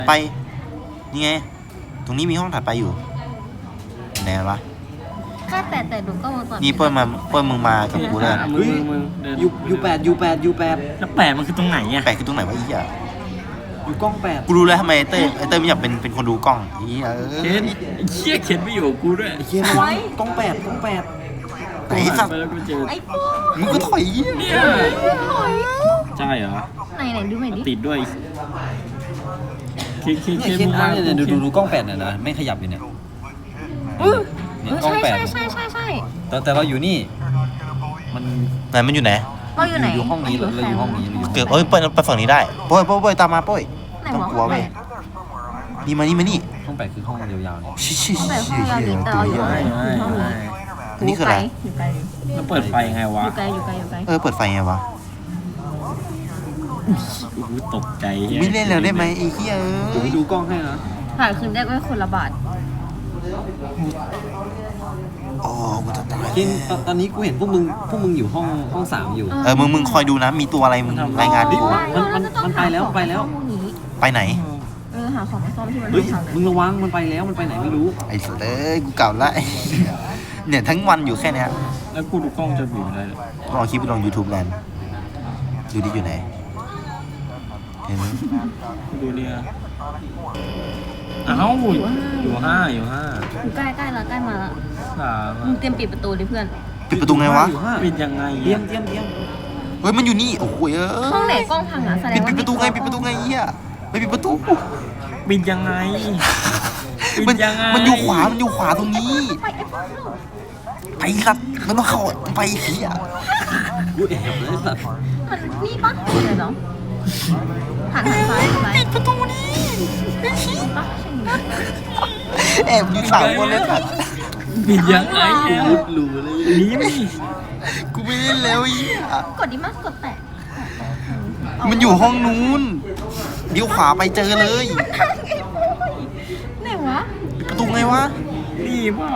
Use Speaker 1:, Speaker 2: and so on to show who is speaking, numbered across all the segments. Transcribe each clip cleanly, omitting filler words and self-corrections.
Speaker 1: ไปนี่ไงตรงนี้มีห้องถัดไปอยู่ไหนวะ
Speaker 2: ก็แต่ดูก็มาก่อน
Speaker 1: นี่เปิ้ลมึงมากับกูแล้ว
Speaker 3: มึง
Speaker 4: ยูแปด
Speaker 3: แล้วแปดมันคือตรงไหนอ่ะ
Speaker 1: แปลกคือตรงไหนวะอีอ่ะ
Speaker 4: ยูกล้อง8
Speaker 1: กูรู้แล้วทำไมเต้ยไม่อยากเป็นคนดูกล้องอี
Speaker 3: เคนเชี่ยเคนไม่อยู่กูด้วย
Speaker 4: เฮียระวังกล้อง8
Speaker 1: ไหนสัก
Speaker 3: ไปแล้วกูเจอ
Speaker 2: ไอ้พวก
Speaker 1: มึงก็ถอย
Speaker 3: เนี่ยใช่เหรอ
Speaker 2: ไหนดูหน่อยดิ
Speaker 3: ติดด้วยเค
Speaker 4: เนี่ย
Speaker 3: น
Speaker 4: เคน
Speaker 3: มา
Speaker 4: เนี่ยดูกล้อง8เนี่ยนะไม่ขยับอยู่เนี่ยเนี่ยกล้อง8
Speaker 2: ใช่
Speaker 4: แต่เราอยู่นี่มัน
Speaker 1: ไหนมันอยู่ไหน
Speaker 2: เราอยู่ไหน
Speaker 4: อยู่ห้องนี้เราอยู่ห้องนี้
Speaker 1: เกิดเปิ้ลไปฝั่งนี้ได้โป้ยตามมาโป้ยต้องกลัวเว้ยนี่มานี่
Speaker 4: ห้อง8คือห้องยาวๆเนี่ย
Speaker 1: ชิ
Speaker 2: ห้องแบบห้องยาวดิแต่เราอยู่ห้องนี้
Speaker 1: อันนี้คืออะไร
Speaker 2: อยู่ไกล
Speaker 3: แล้วเปิดไฟไงวะ
Speaker 2: อยู่ไกล
Speaker 1: เปิดไฟไงวะ
Speaker 3: กูตกใจ
Speaker 1: ไม่เล่นแล้วได้ไหมไอ้เหี้ย
Speaker 4: เดี๋ยวไปดูกล้องให้นะ
Speaker 2: ถ่ายคืนได้ก็คนละบาท
Speaker 1: โอ้กูจะตาย
Speaker 4: เคนตอนนี้กูเห็นพวกมึงอยู่ห้อง3อยู่
Speaker 1: มึงคอยดูนะมีตัวอะไรมึงรายงานดิ
Speaker 4: มันไปแล้ว
Speaker 1: ไปไหน
Speaker 2: หาของมาซ่อมที่มัน
Speaker 4: เฮ้ย
Speaker 2: ทำ
Speaker 4: มึงระวังมันไปแล้วมันไปไหนไม่รู้
Speaker 1: ไอ้สัสกูเก่าละเนี่ยทั้งวันอยู่แค่เนี้ย
Speaker 3: แล้วกูดูกล้องจะอยู่ได้เลย
Speaker 1: ลองคลิปไปลง YouTube แลนด์ดูดิอยู่ไหนเห็นไหม
Speaker 3: ดูเนี่ยอ้าวอยู่ห้า
Speaker 2: อยู่ใกล้แล้วใกล้มาแล้ว
Speaker 3: สาม
Speaker 2: มึงเตรียมปิดประตูดิเพื่อน
Speaker 1: ปิดประตูไงวะ
Speaker 3: ปิดยังไง
Speaker 4: เตรียม
Speaker 1: เฮ้ยมันอยู่นี่โอ้โห
Speaker 2: ห้องไหนกล้องพังอ่ะแสดงว่า
Speaker 1: ปิดประตูไงเหี้ยไม่ปิดประตู
Speaker 3: ปิดยังไง
Speaker 1: มันอยู่ขวาตรงนี้ไปสัตว์มันต้องเข้าไปเหี้ย
Speaker 4: กูแอบเลยสัตว์
Speaker 2: มันนี่ปะเดี๋ยวเนาะหันซ้ายปิดประตูนี่ปะ
Speaker 1: แอบอยู่3 คนเลยสัตว์
Speaker 3: ปิดยังไง
Speaker 4: มุดรูเลย
Speaker 3: นี่ไม่
Speaker 1: กูไม่เล่นแล้วเหี้ย
Speaker 2: กดดิมากดแตะ
Speaker 1: มันอยู่ห้องนู้นเดี๋ยวขวาไปเจอเลย
Speaker 2: ไหนวะ
Speaker 1: ปิดประตูไงวะ
Speaker 3: นี่เปล่า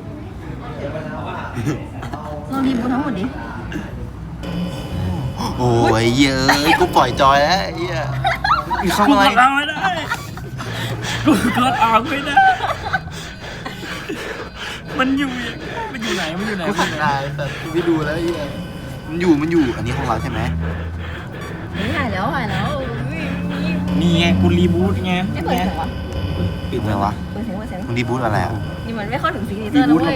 Speaker 2: เรารีบูททั้งหมดดิ
Speaker 1: โอ้ยเย้ยกูปล่อยจอยแล้วเหี้ยมีเข้า
Speaker 3: กู
Speaker 1: อะไร
Speaker 3: กดเอาไม่ได้กูกดออกไม่ได้มันอยู่ไหน
Speaker 1: กูขัดได้แต่กูไปดูแล้วเหี้ยมันอยู่อันนี้ของเราใช่ไหม
Speaker 2: ไม่ถ่ายแล้ว
Speaker 3: นี่ไงกูรีบูทไง
Speaker 2: ไม่เปิดเสียงวะ
Speaker 1: ปิดไหมวะ
Speaker 2: เปิดเสียง
Speaker 1: มึงดีบูทอะไรอ่ะ
Speaker 2: นี่มันไม่เข้าถึงซิกเนเจอร์นะเว้ย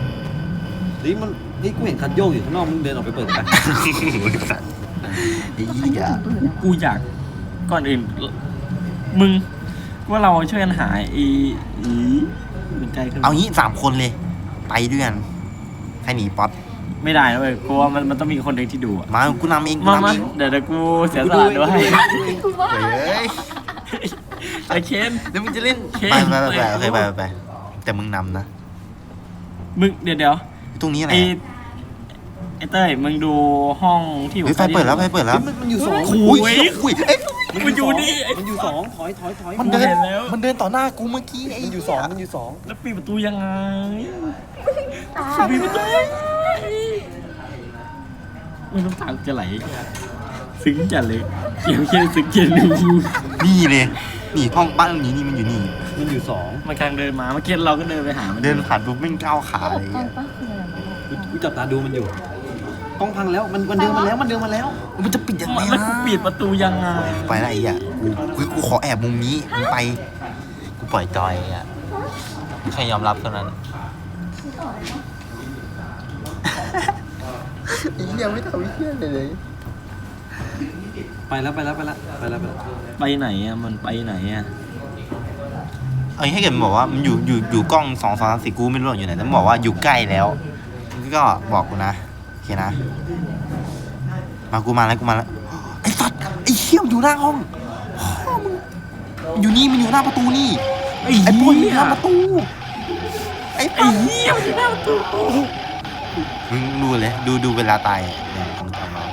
Speaker 4: นี่กูเห็นคัดโยกอยู่ข้างนอกมึงเดินออกไปเปิดกัน
Speaker 1: ไอ้เหี้ย
Speaker 3: กูอยากก่อนอื่นมึงว่าเราช่วยกันหาเป็นใจขึ้น
Speaker 1: เอางี้3 คนเลย ไปด้วยกันให้หนีป๊อต
Speaker 3: ไม่ได้นะเว้ยกูว่ามันต้องมีคนหนึ่งที่ดูอะ
Speaker 1: มากูนำเองกู
Speaker 3: มาน
Speaker 1: ำเอง
Speaker 3: เดี๋ยวกูเสียสละด้วย
Speaker 2: กูว่า
Speaker 1: เฮ้ย
Speaker 3: ไอ้เคน
Speaker 1: แล้วมึงจะเล่น
Speaker 3: โอเค
Speaker 1: ไปโอเคไปแต่มึงนำนะ
Speaker 3: มึงเดี๋ยว
Speaker 1: ตรงนี้อะไร
Speaker 3: ไอ้เต้ยมึงดูห้องที่อยู่
Speaker 1: ไฟเปิดแล้ว
Speaker 4: มันอยู่2
Speaker 1: อุ้ยเอ้ย
Speaker 3: มันอยู่นี่
Speaker 4: มันอยู่2ถอย
Speaker 1: มันเดิน
Speaker 3: เห็นแล้ว
Speaker 1: มันเดินต่อหน้ากูเมื่อกี้ไอ้
Speaker 4: มันอยู่2
Speaker 3: แล้วปิดประตูยังไง
Speaker 2: ตา
Speaker 3: ปิดประตูมึงน้ำตาจะไหลซึ้งจัดเลยเกี่ยวแค่ซึ้งเกี่ยวดู
Speaker 1: นี่เลยนี่ห้องบ้านนี้นี่มันอยู่นี่
Speaker 4: มันอยู่
Speaker 3: มันกำลังเดินมาเมื่อกี้เราก็เดินไปหามัน
Speaker 1: เดินผ่านปุ๊บไม่ก้าวขา
Speaker 2: ต
Speaker 1: เลย
Speaker 2: กล้องปะคืออะไรวะ
Speaker 4: 2กูจับตาดูมันอยู่กล้องพังแล้วมันเดินมาแล้ว
Speaker 1: มันจะปิดยังไง
Speaker 3: แล้วกูปิดประตูยังไง
Speaker 1: ไปละไอ้อ่ะกูขอแอบมุมนี้มึงไปกูปล่อยจอยอ่ะใครยอมรับเท่านั้นไอ้เหี้ยไม่ทำเหี้ยเลย
Speaker 4: ไปแล้ว
Speaker 3: ไปไหนอ่ะมันไปไหนอ่ะ
Speaker 1: เอ้ยให้เกิดมันบอกว่ามันอยู่กล้อง2 2 3 4กูไม่รู้อยู่ไหนแต่มันบอกว่าอยู่ใกล้แล้วก็บอกกูนะโอเคนะมากูมาแล้วไอ้สัตว์ไอ้เหี้ยมันอยู่หน้าห้องมึงอยู่นี่มันอยู่หน้าประตูนี่ไอ้ปุ้ยหน้าประตูไอ้เหี้ยมันอยู่หน้าประตูมึงดูเลยดูเวลาตายเนี่ยมึงทำมา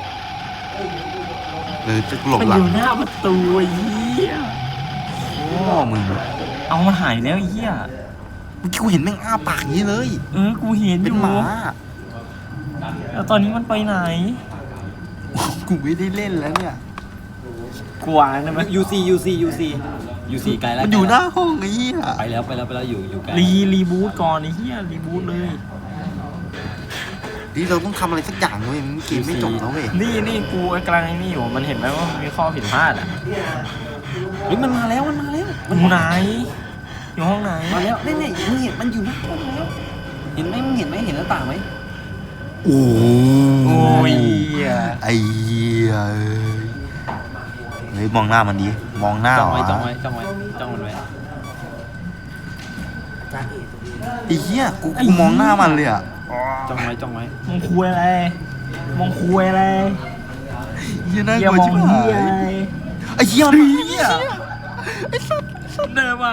Speaker 1: จะหลบ
Speaker 3: มัน
Speaker 1: หลั
Speaker 3: อง ยู่หน้าประตูไอ้เหี้ย
Speaker 1: โอ้มึง
Speaker 3: เอามันหายแล้วไอ้เหี้ย
Speaker 1: เมื่อกี้กูเห็นแม่งอ้าปากอย่างนี้เลย
Speaker 3: กูเห็นอ
Speaker 1: เป็น
Speaker 3: ยู่
Speaker 1: หมา
Speaker 3: แล้วตอนนี้มันไปไหน
Speaker 1: กูไม่ได้เล่นแล้วเนี่ย
Speaker 3: กวางได้ไหม
Speaker 4: UC อยู่สี่ไกลแล้ว
Speaker 1: มันอยู่หน้าห้องไอ้เหี้ย
Speaker 4: ไปแล้วอยู่ไกล
Speaker 3: รีบูทก่อนไอ้เหี้ยรีบูทเลย
Speaker 1: นี่เราต้องทำอะไรสักอย่างเว้ยมันเกมไม่จบแล้วเว้ย
Speaker 3: นี่กูกำลังไอ้นี่อยู่มันเห็นไหมว่ามีข้อผิดพลาดอ่ะ
Speaker 4: เฮ้ยมันมาแล้ว
Speaker 3: อยู่ไหนอยู่ห้องไหน
Speaker 4: มาแล้วนี่มึงเห็นมันอยู่หน้าห้องแล้วเห็นไหมมึงเห็นไหมเห็นหน้าต่างไหม
Speaker 1: โอ้
Speaker 3: โอ้ยเหี้ย
Speaker 1: ไอ้เหี้ยเฮ้ยมองหน้ามันดิมองหน้า
Speaker 4: จ้อง
Speaker 1: เหร
Speaker 4: ไว้
Speaker 1: อ
Speaker 4: จ้องมันไว้
Speaker 1: ไอ้เหี้ยกูมองหน้ามันเลยอ่ะ
Speaker 4: จ้องไว้
Speaker 3: มองคุยอะไรมองคุยอะไร
Speaker 1: เหี้ยน่า
Speaker 3: เหี้
Speaker 1: ก
Speaker 3: ย
Speaker 1: ลัว
Speaker 3: มอง
Speaker 1: ชิบหา
Speaker 3: เหี้ยอะไร
Speaker 1: ยไอ้เหี้ยมันมาเหี้ย
Speaker 3: เดินมา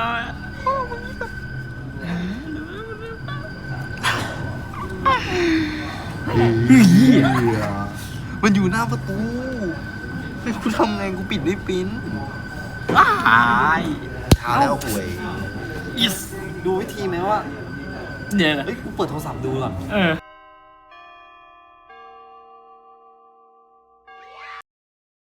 Speaker 1: เหี้ยมันอยู่หน้าประตูให้กูทำไงกูปิดไม่เป็น
Speaker 3: ว้าย
Speaker 1: ท้าแล้วหวย
Speaker 4: ดูวิธีไหมว่า
Speaker 3: เดี๋ยว
Speaker 4: เฮ้ยกูเปิดโทรศัพท์ดูก่อน
Speaker 3: เออ